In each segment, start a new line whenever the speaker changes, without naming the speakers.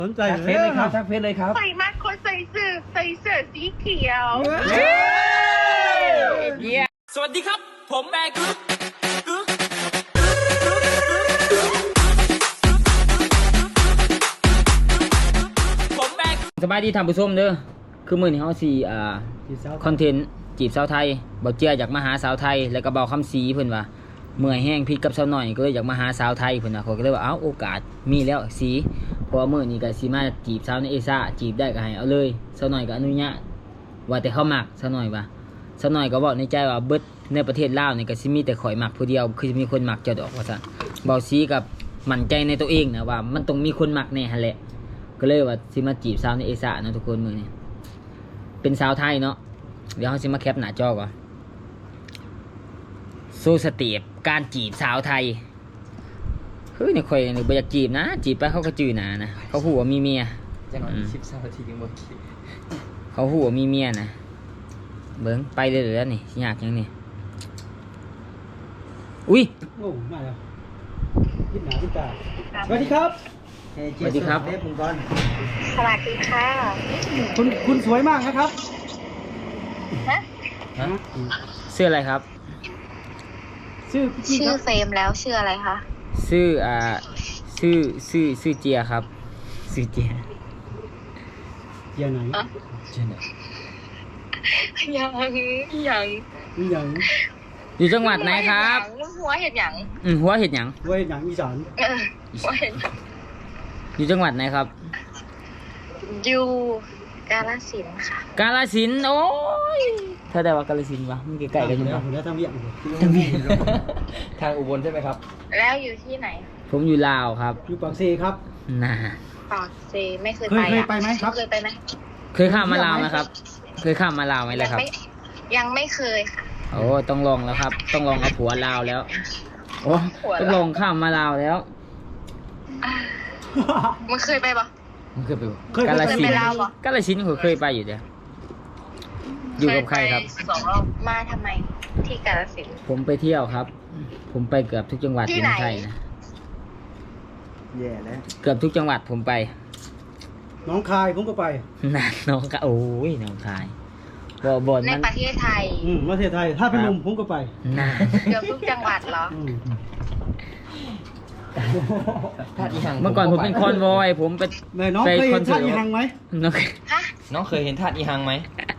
สนใจ
ทักเฟซเลยครับทักเฟซเลยครับ
ใส่มากคนใส่เสื้อสีเขียว
สวัสดีครับ ผมแบกึ๊กผมแบกสบายดีทำผู้ชมเด้อคือมื้อนี้เฮาสิคอนเทนต์จีบสาวไทยบ่เจียอยากมาหาสาวไทยแล้วก็เบาคำสีเพิ่นว่าเมื่อยแห้งพิษกับสาวน้อยก็เลยอยากมาหาสาวไทยเพิ่นน่ะเขาก็เลยว่าเอ้าโอกาสมีแล้วสีเพราะว่ามื้อนี้ก็สิมาจีบสาวในเอซ่าจีบได้ก็ให้เอาเลยสาวน้อยก็อนุญาตว่าแต่เขามักสาวน้อยว่าสาวน้อยก็บอกในใจว่าเบิดในประเทศลาวนี่ก็สิมีแต่ข่อยมักผู้เดียวคือมีคนมักเจ้าดอกว่าซั่นเบาสีกับมั่นใจในตัวเองนะว่ามันต้องมีคนมักแน่หั่นแหละก็เลยว่าสิมาจีบสาวในเอซ่าเนาะทุกคนมื้อนี้เป็นสาวไทยเนาะเดี๋ยวเฮาสิมาแคปหน้าจอก่อนโซสเตียบการจีบสาวไทยเฮ้ยนี่ข่อยนี่บ่อยากจีบนะจีบไปเขาก็จื้อหนานะเขาฮู้ว่ามีเมีย
จะนอน10 นาทียังบ่คิด
เขาฮู้ว่ามีเมียนะเบิ่งไปเรื่อยๆแล้วนี่สิยากยังนี่อุ้ย
โอ้มาแล้วยิ้มหนายิ้มตาสวัสดีครับ
สวัสดีครับ
เฟซมึงก่อน
สวัสดีค่ะ
คุณสวยมากนะครับ
ฮะ
ฮะ
ชื่ออะไรครับ
ชื่อพี่
ชื่
ค
อ
รับ
เฟรมแล้วชื่ออะไรคะ
ชื่อชื่อเจียครับชื่อเจีย
เจียไหน
เช่นไหน
ยัง
นี่ยัง
อยู่จังหวัดไหนครับ
หัวเห็ดหยัง
หัวเห็ดหยัง
เว้ยหนังอีสาน
หัวเห็ดหยัง
อยู่จังหวัดไหนครับ
อยู่กาฬสินธุ์ค่ะ
กาฬสินธุ์โอ้ยถ้าได้ว่ากาฬสินธุ์วะมันใกล้ๆกันอยู่
แล้
เนาะ
วแล้วทำเวียง
ทางอุบลใช่ไหมครับ
แล้วอยู่ที่ไหน
ผมอยู่ลาวครับ
อยู่ปากเซครับ
น่า
ปากเซไม่เคย
เค
ไป
ย
อ่ะ
ไปไหมครับ
เคยไปไหม
เคยข้ามมาลาวไหมครับ เคยข้ามมาลาวไหมล่ะครับ
ยังไม่เคยค่ะ
โอ้ต้องลองแล้วครับ ต้องลองเอาผัวลาวแล้วโอ้ต้องลองข้ามมาลาวแล้ว
มันเคยไปปะ
มันเคยไป
เคย
กาฬ
เคย
สิ
ไป
นธุ์
ลาวปะ
กาฬสินธุ์ผมเคยไปอยู่เดียวอยู่กับใครครับ
เคยไป2 รอบมาทำไมที่กาฬสินธุ์
ผมไปเที่ยวครับ ผมไปเกือบทุกจังหวัด
ที่
ใน
ไหน
ไทยนะ
แย่แล้ว
เกือบทุกจังหวัดผมไป
น้องคายผมก็ไป
น่าน้องก็โอ้ยน้องคายบ่น
ใน
มัน
ประเทศไทย
ประเทศไทยถ้าเป็นหนุ่มผมก็ไป
น่า
เกือบทุกจังหวัดเหรอ
ท่าอีหัง
เมื่อก่อนผมเป็นคอนวอยผมไป
แม่น้องเคยเห็นท่าอีหังไหม
น้อง
ฮะ
น้องเคยเห็นท่าอีหังไหม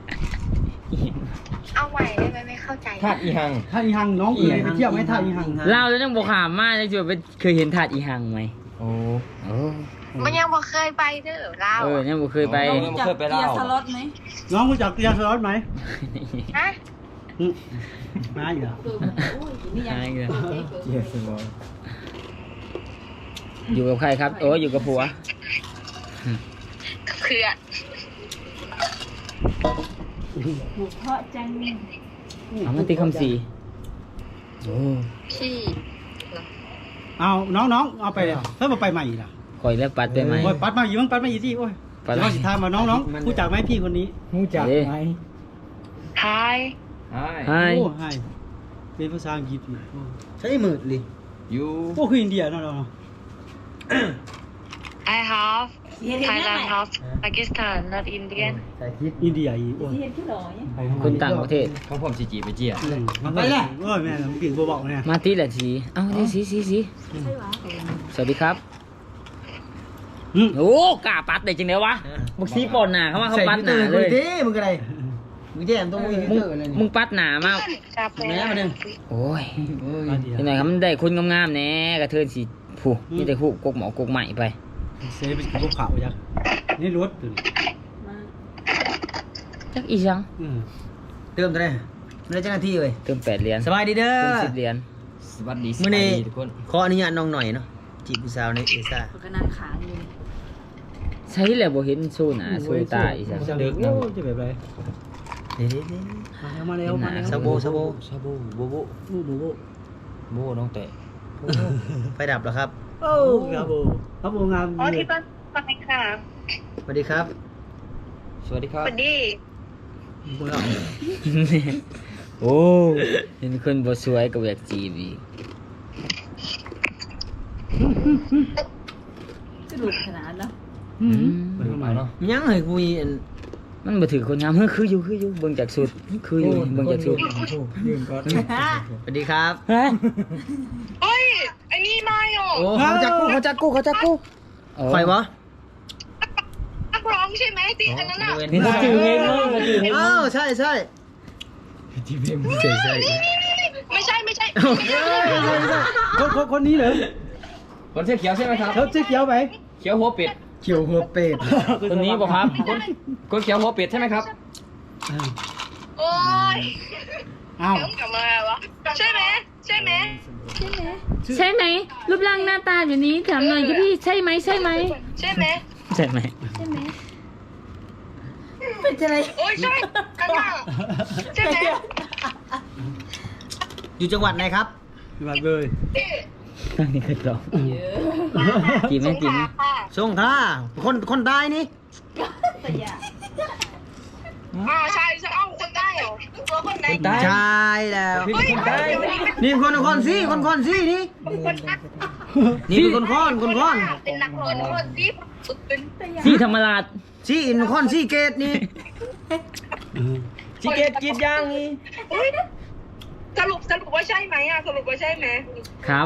เอาใหม่ได้ไหมไม่เข้าใจ
ท่าอีหัง
ท่าอีหังน้องเคยไปเที่ยวไหมท่าอีหัง
เล่าแล้วต้องบอกขามมากเลยจะเคยเห็นถาดอีหังไหม
โอ้
โอ้
มันยังบ่เคยไปเด้อลาว
เนี่ยผมเคยไป
น้องเคยไปเล่า
น้องรู้จักเตียสล็อตไหม
ฮะ
มาอยู่เหรอ
เยสมอ
อยู่กับใครครับโอ้อยู่กับผัว
เพื่อน
เอามันตีคำสีโอ้
พี่
เอาน้องเอาไปเลยเพิ่มมาไปใหม่อีกล่ะ
คอยแล้วปัดไปไหม
โอ้ยปัดมาอีกมั้งปัดมาอีกที่โอ้ย
ปัด
เดี๋ยวสิถามมาน้องรู้จักไหมพี่คนนี้
รู้จักไหม
ทาย
ใช่
ใช่
โอ้ให้เป็นภาษาอังกฤษอีกโอ้
ใช่มืดเลยอยู่
โอ้คืออินเดียเนาะ
I have Thailand have Pakistan not Indian
ใส่คิด
อินเดียอีกโอ้ย
คนต่างประเทศ
ของผมจีไปเจีย
ไปเลยโอ้ยแม่ผมเปลี่ยนบอกเนี่ย
มาตีแหละสีเอ้าดิสีสวัสดีครับโอ้กล้าปัดได้จริงเลยวะมึงสีปนหนาเขาว่าเขาปัดหนาเลย
มึงอะไรมึงแจ่มต้องมีฟิลเตอร์เลย
มึงปัดหนามาก
จับไป
แม่มาดึง
โอ้ยที่ไหนครับมันได้คนงามๆแน่กระเทินสีผู้นี่แต่ผู้กกหมอกกใหม่ไป
เซฟเป็นพวกขาวยักษ์นี่รถตื่น
จักอีสัง
เติมตัวไหนไม่ได้เจ้าหน้าที่เลย
เติม8 เหรียญ
สบายดีเด้อ
เติม10 เหรียญ
สวัสดีมื้อนี้ขออนุญาตน้องหน่อยเนาะจีบผู้สาวในเอซ่า
ก็นั่งขางอยู่
ใช่แหละบ่เห็นโซหนาโซตาอีสัง
ดึกนะจะแบบไร
เด้
มาแล้วมาแล้ว
ซาโบโบโบโบ
บูบูบู
โบน้องเตะไฟดับแล้วครับ
โอ้ครับบูครับบูงาม
อ๋อที่บ้านไปค่ะ
สวัสดีครับ สวัสดีครับ
สวัสดี
โอ้เห็นคนบ่สวยก็อยากจีบอีก
ก็หลุดขนาดเนาะ
มาเนาะ
ยังให้คุยอัน
มันบ่ถือคนงามคืออยู่เบิ่งจากสุดคืออยู่เบิ่งจากสุด
ยืนก่อน
สวัสดีครับ
เฮ้ย
เฮ้ยไอ้นี่มาเหรอ
โอ้เขาจักกู
ไฟ
ไฟบ่
นักร้องใช่ไหมที่อันนั้นอ่ะ
นี่จือเองเนาะจือเอง
อ้าวใช่
ไม่ใช่ไม่ใช่
คนนี้เหรอ
คนเสื้อเขียวใช่ไหมครับ
เขาเขียวไป
เขียวหัวเป็ด
เขียวหัวเป็ด
คนนี้บ่ครับ
คนเขียวหัวเป็ดใช่ไหมครับ
โอ้ย
อ้าว
เดี๋ยวกลับมาวะใช่ไหมใช่ไหม
ใช่ไหมรูปร่างหน้าตาแบบนี้ถามหน่อยก็พี่ใช่ไหมใช่ไหม
ใช่ไหม
ใช่ไหม
เป็นอะไร
โอ้ยใช่อันน่ะใช่ไหม
อยู่จังหวัดไหนครับ
มาเลย
นี่คือตอบจีบไหมจีบไหม
ค่ะ
สงขลาคนใต้นี่
ใช่เอ้าคนใต้เหรอตัวคนไหน
ใช่แล้ว
เฮ้ยเดี๋ยวนี้
นี่คนนครศรีคนศรีนี่
คนใต้
นี่เป็นคนค้อน
เป็นนักร้องคนที่ฝึกเป็น
ที่ธรรมราช
ศรีนครศรีเกตนี่
ชิเกตกีดยางนี่
สรุปว่าใช่ไหมอ่ะสรุปว่าใช่ไหม
ครับ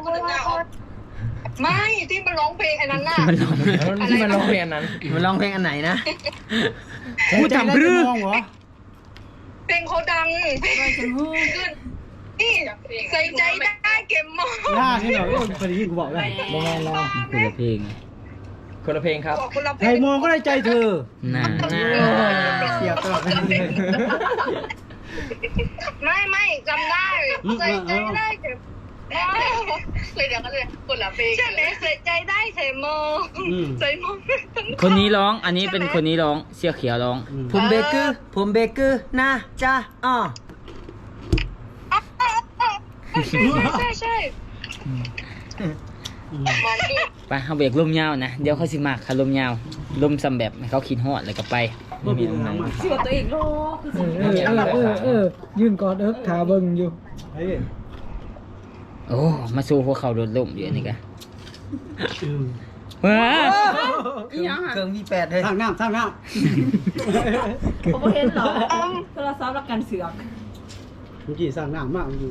ไม่ที่มันร้องเพลงอันนั้นน่ะ
มันลอง
ที่มันร้องเพลงนั้น
มันร้องเพลงอันไหนนะ
กูจำรือมองเหรอ
เพลงเขาดังเพลงนี่ใส่ใจได้เก็บมอง
หน้านี่เหรอคนนี้กูบอกได้
บ่แม่นแล้วคนละเพลง
คนละเพลงครับ
บอกคนละเพล
ใครง มองก็ได้ใจเธอ
น่า
เสียบตลอด
ไม่จำได้ใส่ใจได้เก็บเลยเดี๋ยวก็เลยคนละเพลงใช่ไหมใส่ใจได้ใส่มองใส่มอง
คนนี้ร้อง อันนี้เป็นคนนี้ร้อง เสื้อเขียวร้อง
ผมเบเกอร์นะจ้าอ้อ
ใช่มันดิ
ไปเอาเบรกลมยาวนะ เดี๋ยวเขาสิมากค่ะลมยาว ลมซ้ำแบบให้เขาคิดฮอดแล้วก็ไป
ไม่มีหนังมา
สิว่าตัวเองโลก
ยืนก่อนขาเบิ่งอยู่ไอ้
โอ้ มาสู้พวกเขาโดนล่มอยู่อันนี้กันว้า
อีหยังค่ะ
เครื่องV8เลย
สร้างน้ำ
ผมบ่เห็นหรอโทรศัพท์รับการเสือก
เมื่อกี้สร้างน้ำมากอยู่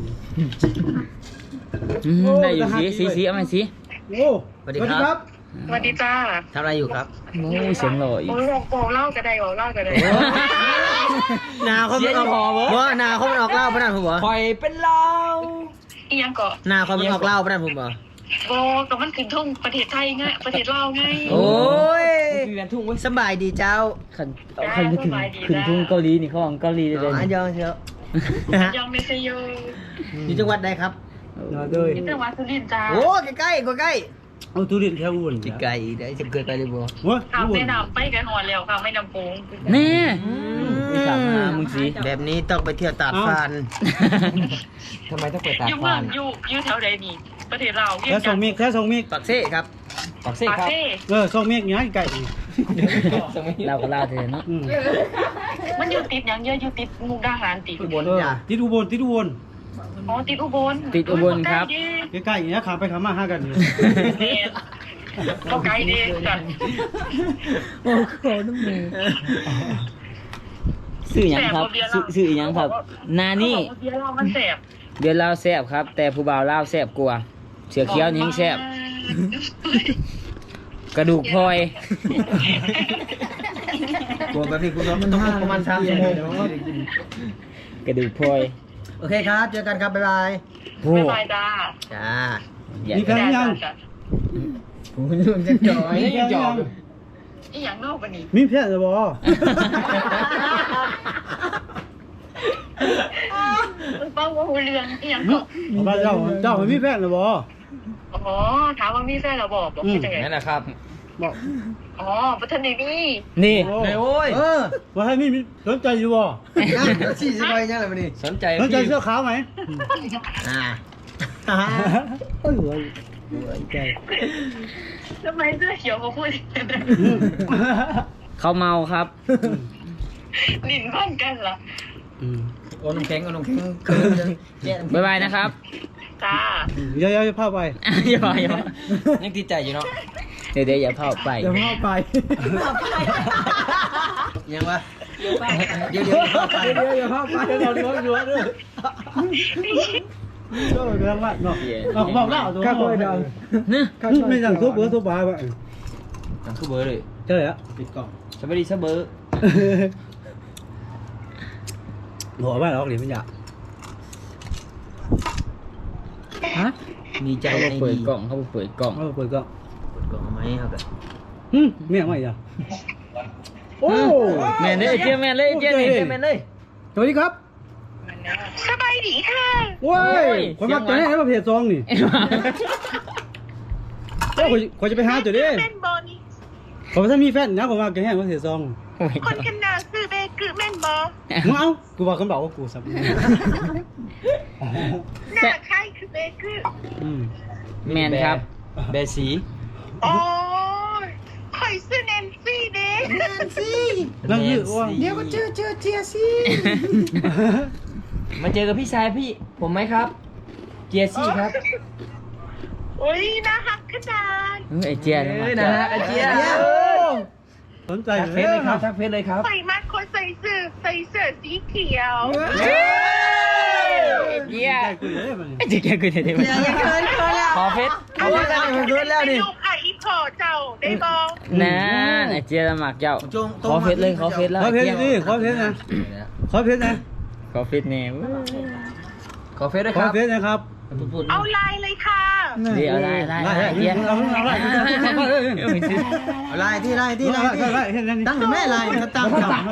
ได้อยู่สีเอามาสี
โอ้
สวัสดีครับ
สวัสดีจ้า
ทำอะไรอยู่ครับ
โอ้ยเสียงหล่ออีก
โอ้ยบอกเล่ากันได้บอกเล่ากันได้
นาเขาไม่ออกว่านาเขาไม่ออกเหล่าพนันผมเหรอ
คอยเป็นเรา
อียังเกาะ
นาเขาไม่ออกเหล่าพนันผมเหรอ
บอกกับมันขึ้นทุ่งประเทศไทยไงประเทศลาวไง
โอ้ย
มีแวนทุ่งไว้
สบายดีเจ้า
ขันจะถึงขึ้นทุ่งเกาหลีนี่เขาของเกาหลีเลย
อัน
นี่
ยองเชียว
ยังไม่เซโย
อยู่จังหวัดใดครับ
มาเลย
นี่จังหวัดสุรินทร์จ้า
โอ้ใกล้ใกล้
เอาทุเรียนแค่วุ่น
ใกล้ได้จะเกิดไปเลยบ่
โอ้ย
ข้ามแม่น้ำไปกันหอนแล้วข้ามแม่น้ำโขง
แน่ไม่ถามหามึงสิ
แบบนี้ต้องไปเที่ยวตาดฟาน
ทำไมต้องเปิดตา
อยู่เมื
ฟา
อง
น
อยู่แถวใดนี่ประเทศลาว
แค่ส่งมิก
ปักเซ่ครับ
ปักเซ่
ปาก
ครับ
เซ่
ส่งมิกอย่างนี้ไก่
เราก็เล่าเธอเนาะ
มันอยู่ติดอย่างเยอะอยู่ติดมุกดาหารติด
อุบลจ้ะ
ติดอุบล
อ๋อติดอุบล
ติดอุบลครับ
ใกล้ๆอย่างนี้ขาไปขามาหากัน
ก็ไกลดีจ้ะ
โอ้โหน้องมือซื้อหยังครับซื้อหยังครับ นานี่
เบียร์เรามันแสบ
เดือนลาวแซ่บครับ แต่ผู้บ่าวลาวแซ่บกว่าเสือเขียวนี่ยังแซ่บกระดูกพลอย
กลัวแบบนี้คุณมันต้องประมาณ3 ชั่วโมง
กระดูกพลอย
โอเคครับเจอกันครับบ๊ายบาย
โอ้
บ๊ายบายจ้า
จ้า
มีแฟนยัง
คุณลุงจะจอย
มีแฟนยัง
อีหยังนอกปะนี่
มีแฟนหรือบ่
เป้าว่าหูเรืองอีหยังก็
บ้านเจ้ามีแฟนหรือบ่
อ๋อถามว่ามีแฟนเราบอกที่จะไง
นั่นแหละครับ
บอก
อ๋อปัทนีมี
นี่
โอ้ย
ว่าให้มีสนใจอยู่บ่
สี่สิบใบยังไงวันนี้
สนใจ
สนใจ
พี่
เสื้อขาวไหม โอ้ยหัวใจ
ทำไมเสื้อเขียวเขาพูด
เขาเมาครับ
ลิ้นพันกันเหรอ
โอ้น้ำแข็ง
บ๊ายบายนะครับ
จ้า
เยอะๆพาไป
อย่า
ยังติดใจอยู่เนาะ
เดี๋ยวอย่าเผาไป
เดี๋ยวพ่อไป
ยังวะเดี๋ยว
เดี๋ยวอย่าพ่อไปเดี๋ยวยัวด้วยก็เรื่องว่าเนาะบอกแล้วตัวข้าวดัง
นะ
ไม่สั่งซุปเบอร์ซุปบาร์ว่ะ
ตั้งคือเบอร์เลย
เจอแล้วปิดกล่อง
สวัสดีซะเบอร์
หัวบ้านเราเหรียญไม่อยาก
ฮะ
มีใจ
เขา
ใน
เปิด
ดี
กล่องเขาเปิดกล่อง
เอาเปิดกล่อง
เปิดกล่องไหมครับ
เมี่ยงไม่จ้ะโอ้
แม่นเลยเจียแม่นเลยเจียนี่เจียแม่นเลย
สวัสดีครับ
สบายดีค่ะ
ว้ายคนมาตัวนี้ให้มาเพจซองนี่เจ้าคนจะไปหาตัวนี้
แม่นบอนี่
ผมถ้ามีแฟนนะผมว่าแกให้มาเพจซอง
คนขนาดซื้อเบคือแม่นบอ
มึงเอากูบอกเขาบอกว่ากูสับ
หน้าใครคือเบคือ
แม่นครับ
แบสี
โอ้ยคอยซื้อแนนซี่เด้
นั่งยืดว่า
เดี๋ยวก็เจอเจียซี่มาเจอกับพี่ชายพี่ผมไหมครับ เจียซี่ครับ
โอ้ยน่าฮักขนาด
ไอเจีย
นะฮะเจีย
สนใจ
ทักเฟซเลยครับทักเฟซเลยครับ
ใส่มาคนใส่เสื้อสีเขียว
เจีย
คุยเลยมัน
ไอเจียคือเท่ๆ
ขอเฟซขอเฟซได้ไหมเฟซแล้วนี่
ลูกไอ้พ่อเจ้าได้บอ
นั่นไอเจียละหมักเจ้าขอเฟซเลยขอเฟซแล้ว
ขอเพจดิขอเพจนะขอเพจนะ
ขอเฟซแน่
ขอเฟซด้วย
ข
ค
อ
รับ
เพจนะครับ
เอาลายเลยค่ะ
เดี๋ยวไล่เจีย
เอาไล่
ไล่ที่ไล่ที่ไล่ที่ตั้งแต่แม่ไล่ก็ตั้ง
มาสั่ง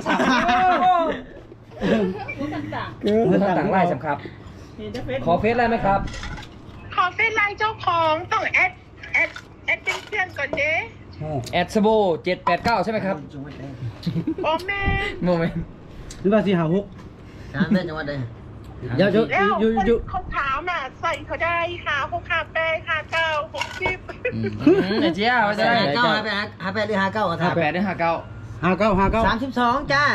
มือต่างไล่สำครับ ขอเฟซได้ไหมครับ
ขอเป็นลายเจ้าของต้องแอดเป็นเพื่อนก่อนเด้
แอดสโบ789ใช่ไหมครับ
โอ้แม่
โมเมนต์
นี่ว่าสี่หาหก
ถามแม่จังหวัดใด
เดี๋ยว
แล้ว
อยู่
คนถามน่ะใส่เขาได้ค่ะ658 59 60
เจียว่าจะ
หา
ได้
เก้าหาแปดหรือหาเก้าอ่ะ
58หรือ59
59
32จ้า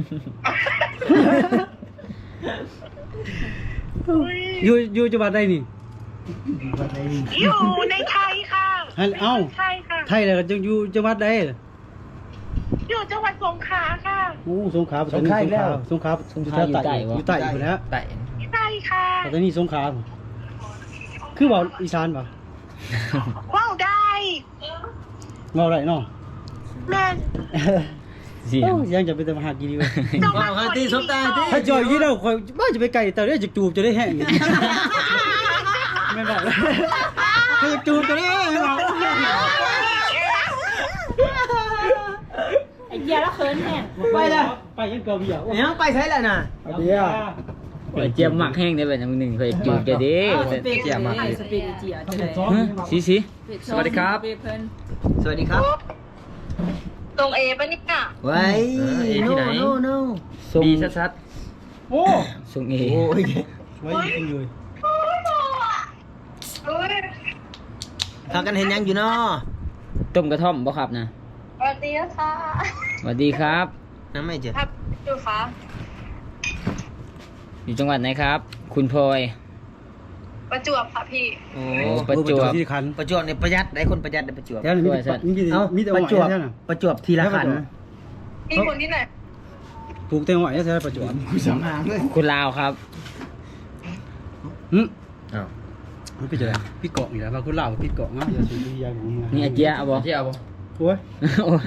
อยู่จังหวัดใดนี่
อยู่ในไทยค่ะ
เอ้า
ใช่ค่ะ
ไทยเลยก็อยู่จังหวัดใด
อยู่จังหวัดสงขลาค่ะ
โอ้สงขลาสงขลาอยู่ใต้อยู่แล้ว
แต่
ใช่ค่ะ
แต่นี่สงขลาคือว่าอีสานป่ะ
ว้าวได้
เมาไรเนาะ
แม่
เสียง
ยังจะไปทำอาหารกินดีกว่า
ว้าวตีสมตาตี
ถ้าจอยยี่เราคอยบ้าจะไปไก่แต่ได้จะจูบจะได้แห้งไม่บอกเลยจะจูบจะได้แห้ง
ไอเจียแล้วเขินแห้ง
ไปเลยไปยังเกาหลี
เนี่ยไปใช้แล้วนะ
เดี๋ยว
ไอเจียหมักแห้งได้แบบนึงเคยจูบจะดี
เจียมา
สปีกเจียจะได้
สิ
สวัสดีครับ
สวัสดีครับ
ตรงเอปะเนี่ย
ไว้โน่
บีชัด
โอ้
ส่งเอ
โอ้ย
ไว้กินเลย
พากันเห็นยังอยู่เนาะ
ต้มกระท่อมบ่ครับนะ
สวัสดีค่ะ
สวัสดีครับ
น้ำไม่เจอ
ครับอยู่ค่ะ
อยู่จังหวัดไหนครับ คุณพลอย
ประจวบค่ะพี่
โอ้
ประจวบที่คัน
ประจวบเนี่ยประหยัดได้คนประหยัดได้ประจวบ
แล้วมีมีแต่
ประจวบประจวบทีละขัน
พี่คนที่ไหน
ปลูกแตงหวายใช่ประจวบ
คุณลาวครับ
อ้าว
มันเป็นอะไรพี่เกาะอยู่แล้วเราคุณเล่าพี่เกาะเนาะอย่าสูบยาของมึง
นี่ไอเจียเอาบ่
ๆเจียบ่
โอ้ย
โอ้ย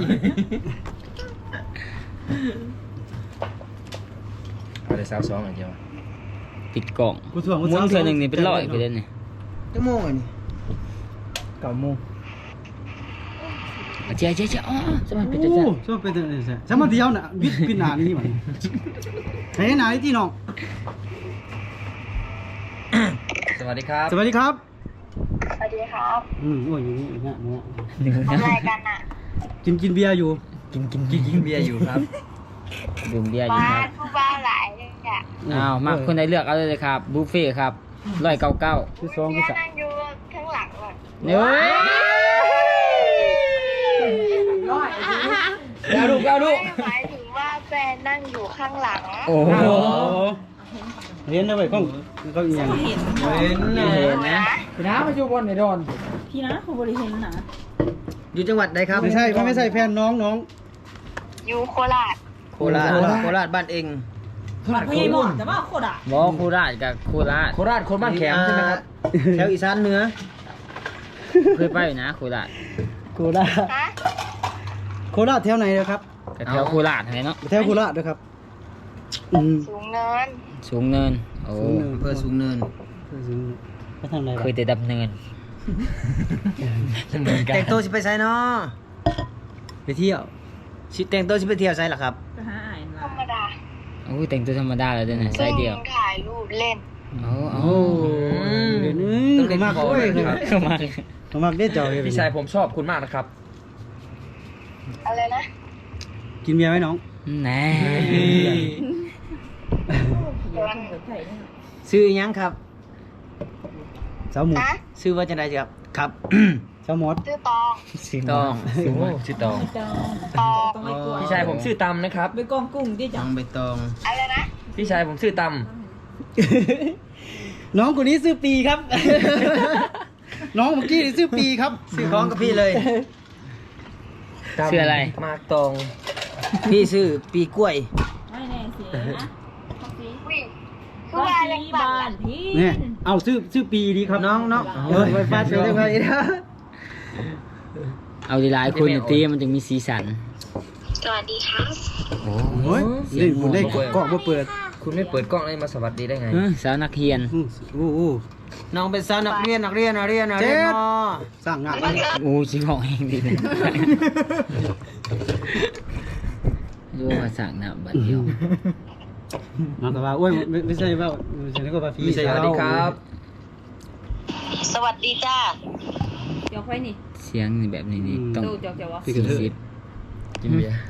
เอาได้22อ่ะเจีย
ติดกล่อง
กูถ่วง
ม้วนเธอหนึ่งนี่เป็นร้อยไปเลยนี่
จะโมงอันนี้
9 โมง
เจียอ๋อสมัยเป็น
โอ้
จัง
ชอบเป็นอะไรใช่สมัยเดียวน่ะวิทย์กินหนานี่มันใช่หนาที่น้อง
สวัสดีครับ
สวัสดีครับ
สวัสดีครับ
โอ้ยอย่างนี้อย่างเงี้ย
หนึ่ง
ทำอะไรกันอ่ะ
กินเบียร์อยู่
กินเบียร์อยู่ครับ
ดื่มเบียร์อยู่
บ้า
ครับ
นผู้บ้านหลายเลยอ่ะ
อ้าวมาคนใดเลือกเอาเลยครับบุฟเฟ่ครับ199
ที่สองที่
เนี่ย
สาม
นั่งอยู่ข้างหลังเลย
เฮ้ย
เอาลูก
หมายถึงว่าแฟนนั่งอยู่ข้างหลัง
โอ้โห
เรียนได้ไว้ข้องก็เอียง
เห็น
เห็นนะ
น้ามาอยู่บนไหนดอน
พี่นะเขาบริเห็นนะ
อยู่จังหวัดใดครับ
ไม่ใช่แฟนน้อง
อยู่โคราช
โคราชโคราชบ้านเอง
โคราชพี่หมดแต่ว่า
บ่โคราชกับโคราช
โคราชคนบ้านแขมใช่ไหมครับ
แถวอีสานเหนือ
เคยไปอยู่นะโคราช
โคราช
ฮะ
โคราชแถวไหนเลยครับ
แต่แถวโคราชไหนเนาะ
แถวโคราชด้วยครับ
สูงเนิน
สูงเนินโอ้
อำเภอสูงเนิน
ไปทางไหน
เคยแต่ดับเนิน
แต่งตัวสิไปไสเนาะไปเที่ยวสิแต่งตัวสิไปเที่ยวไสล่ะครับ
ธรรมดา
โอ้ยแต่งตัวธรรมดาเลยเด้อนะใส่เดียว
ถ่ายรูปเล่น
โอ้โอ้
โอ้เดี๋ยวนี้เขามากด้วย
เข้ามา
เขามากได้จอย
พี่ชายผมชอบคุณมากนะครับ
อะไรนะ
กินเบียร์ไหมน้อง
แน่
ซื้ออิหยังครับ
สาวหมู
ฮะ
ซื้อว่าจังไดครับครับ
สาวมด
ชื่อตอง
ต้อง
ชื่อตอง
ตอง
พี่ชายผมชื่อตำนะครับ
น้องใบตอง
อะไรนะ
พี่ชายผมชื่อต
น้องคนนี้ซื้อปีครับ น้องเมื่อกี้นี่ซื้อปีครับ
ซื้อของกับพี่เลย
ำ
ชื่ออะไร
มากตอง
พี่ซื้อปีกล้วย
วิ่งคือว่าอะไรบ้าน
เนี่ยเอาซื้อปีดีครับ
น้อง
ไปฟาดเสียไปนะ
เอาหลายๆคนตีมันจึงมีสีสัน
สวัสดีครับ
โอ้ยนี่ผมได้เกาะมาเปิด
คุณไม่เปิดกล้องเลยมาสวัสดีได้ไง
สาวนักเรียน
โอ้โห
น้องเป็นสาวนักเรียนม
สร้างงาน
โอ้ชิของเองดีเลยดูมาสั่งน้ำบัดเดียว
น้องก็ว่าโอ้ยไม่ใช่ว่าไม่ใช่ก็ว่าพี่
สวัสดีครับ
สวัสดีจ้า
เดี๋ยวค่อยนี่
เสียงนี่แบบนี้นี่ต้อง
ดูเดี๋ยววะ
40
กินเบียร์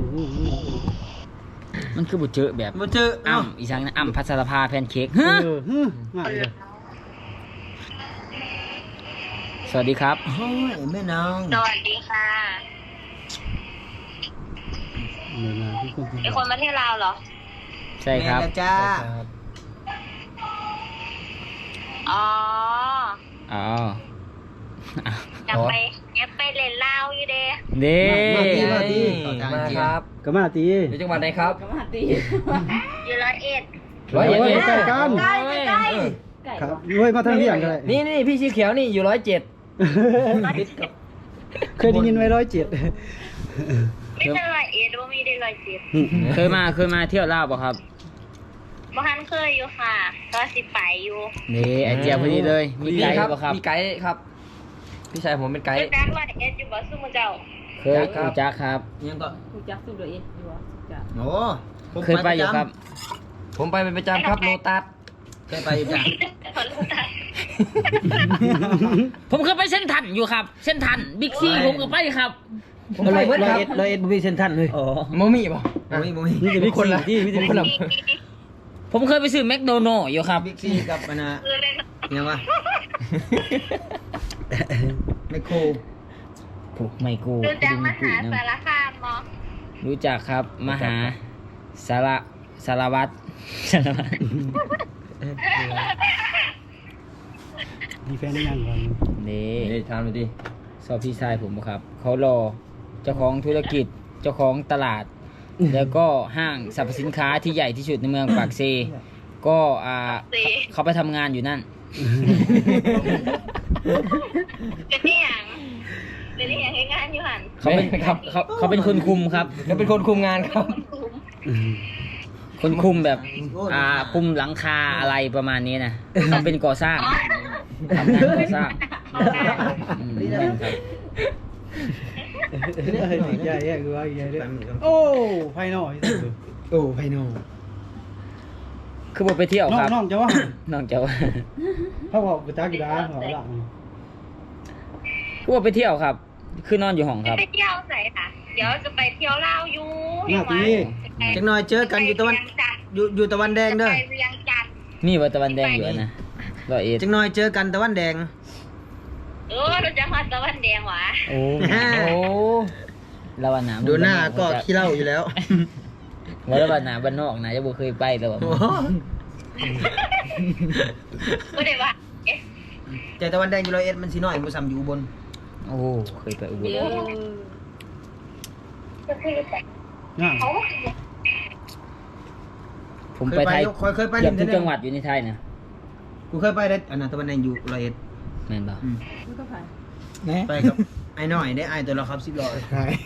มันคือบุเจอแบบ
บ่เจอเอ้า
อีสังนะพัสรภาแพนเค้ก
ง่ายเลย
สวัสดีครับ
โอ้ยแม่น้อง
สวัสดีค่ะเป็นคนประเทศลาวเหรอ
ใช่ครับ
แม่แล้วจ้า
อ๋อ
อ๋อ
อยากไปเล่นลาวอยู่เด้
เด้
มาดี
มาครับ
ก็มาตี
อยู่จังหวัดไหนครับ
อยู่101
ร้อยเอ็ด
ใกล้กัน
ใกล้ใกล้
ครับเฮ้ยมาทางเรียงกันเลย
นี่พี่สีเขียวนี่อยู่107
เคยได้ยินไว้107
ไม่ใช่101ว่ามีได้107
เคยมาเที่ยวลาวป่ะครับ
บ่ทันเคยอยู่ค่ะก็สิไปอยู่
นี่ไอเจียพอดีเลย มีไกด์ป่ะครับ
มีไกด์ครับ พี่ชายผมเป็นไกด์
รู้จัก101อยู่บ่ซุมื้อเจ้า
เคยรู้จักครับ
ยังก็
กูจักสุดเลยอยู่วะจัก
โอ้ผม
เคยไปอยู่ครับ
ผมไปเป็นประจำครับโลตัส
เคยไปอยู่จ้ะ
คนรู้จัก
ผมเคยไปเส้นทันอยู่ครับ เส้นทันบิ๊กซีผมก็ไปครับ
ผมไปเบิดครับ
ร้อยเอ็ดบ่มีเซ็นทรัลเลย
อ๋อ
โมมี่ป่ะ
บ่มี
นี่จะมีคนละที่มีแต่คนละ
ผมเคยไปซื้อแมคโดนัลด์อยู่ครับ
บิ๊กซีกับอันน่ะ
คือเลย
ยังวะแมคโคร
ไม่กู
รู้จักมหาสารคามมั้ง
รู้จักครับ มหาสารวัตร
มีแฟนหรือยังก่อน
นี่
นี่ทานไปดิ
สอบพี่ชายผมครับ เขารอเจ้าของธุรกิจ เจ้าของตลาด แล้วก็ห้างสรรพสินค้าที่ใหญ่ที่สุดในเมืองปากเซ ก็เขาไปทำงานอยู่นั่น
เป็นที่อย่างให้งานอยู่หัน
เขาเป็นเขาเป็นคนคุมครับ
แล้วเป็นคนคุมงานครับ
คนคุมแบบคุมหลังคาอะไรประมาณนี้นะเขาเป็นก่อสร้างทำงานก่อสร้างครับ
ใหญ่คือว่าใหญ่ด้วยโอ้ไพนอล
โอ้ไพโน
คือผมไปเที่ยวครับ
น้องจะว่า
น้องจะว่า
เขาบอกไปตากีฬาเขาหลัง
คือผมไปเที่ยวครับ คือนอนอยู่ห้องครับ
ไปเที่ยวไหนคะเดี๋ยวจะไปเที่ยวลาวอยู่
หน้าตี
จังหน่อยเจอกันอยู่ตะวันอยู่ตะวันแดงเด้อ
ไปเวียงจันทร์
นี่วัดตะวันแดงอยู่นะ101
จังหน่อยเจอกันตะวันแดง
เราจะมาตะวันแดงหวะ
โอ้ละวันหนา
ดูหน้าก็ขี้เหล้าอยู่แล้ว
ว่าละวันหนาบ้านนอกนะจะบ่เคยไปแต่ว่า
ก็ได้ว่า
แต่ตะวันแดงอยู่ร้อยเอ็ดมันสิน้อยบ่ซ้ำอยู่อุบน
โอ้เคยไปอุบล
เดี๋ยว
งาม
ผมไปไทย
เคยไป
เกือบทุกจังหวัดอยู่ในไทยนะ
กูเคยไปได้อันนั้นตะวันแดงอยู่ร้อยเอ็ด
แม่นบ่
ไปกับไอ้น้อยได้ไอ้ตัวเราครับ10 ล้อ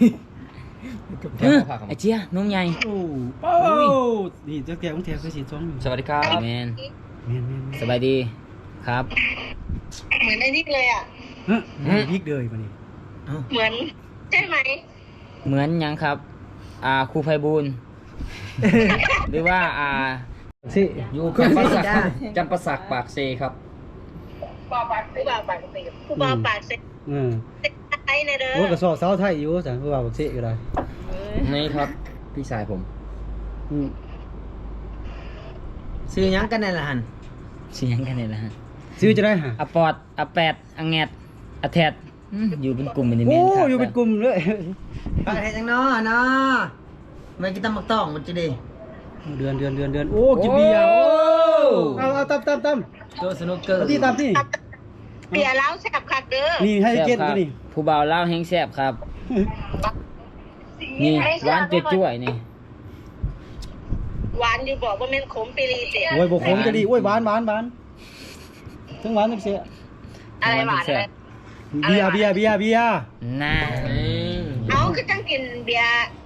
ไอ้เจี๊ยน้องใหญ่
โอ้โอ้นี่จักแก่ของแท้เคยสิซ้อม
สวัสดีครับ
แม่น
แม่น
สบายดีครับ
เหมือนไอ้นี่เลยอ่ะ
ฮะพริกเลยมานี่
เหมือนใช่ไหม
เหมือนหยังครับครูไพบูลย์ หรือว่า
สิ
อยู่จำปาสักจำปาสักปากเซครับ
บาปากกูบาปากเสียกูบาปากเสีย
อืม
ไอ้เนี่ยเด้อ
โอ้กระสอบสาวไทยอยู่จ้ะคือว่าบักเสก็ได้
นี่ครับ พี่ชายผม
อืม
ซื้อหยังกันนั่นล่ะหั่น
เสียงกันเลยนะฮะ
ซื้อจะได้ฮะ
อปอดอแปดอแงดอแทดอยู่เป็นกลุ่มเป็นเม
โอ้
นครับ
อยู่เป็นกลุ่มเลย
ไปเฮ็ดจังเนาะเนาะมากินตำบักต้องมันจะดี
เดือนโอ้กินเบียร์โอ้เอาตำ
ตัวสนุกเกอร์
เอาที่ตำที่
เบียร์แล้วแสบคักเด้อ
นี่ให้
แซ่บ
เก็ต
ครั
กันนี่
ผู้บ่าวเล่าวแห้งแซ่บครับ นี่หวานจ้วยๆนี่
หวานอยู่บอกว่าแม่นขมปีรีเสีย
โอ้ยบ่ขมจะดีโอ้ยหวานทั้งหวานทั้งเสีย
อะไรหวานอะไร
เบียร์
น่า
เอาคือจังกินเบียร์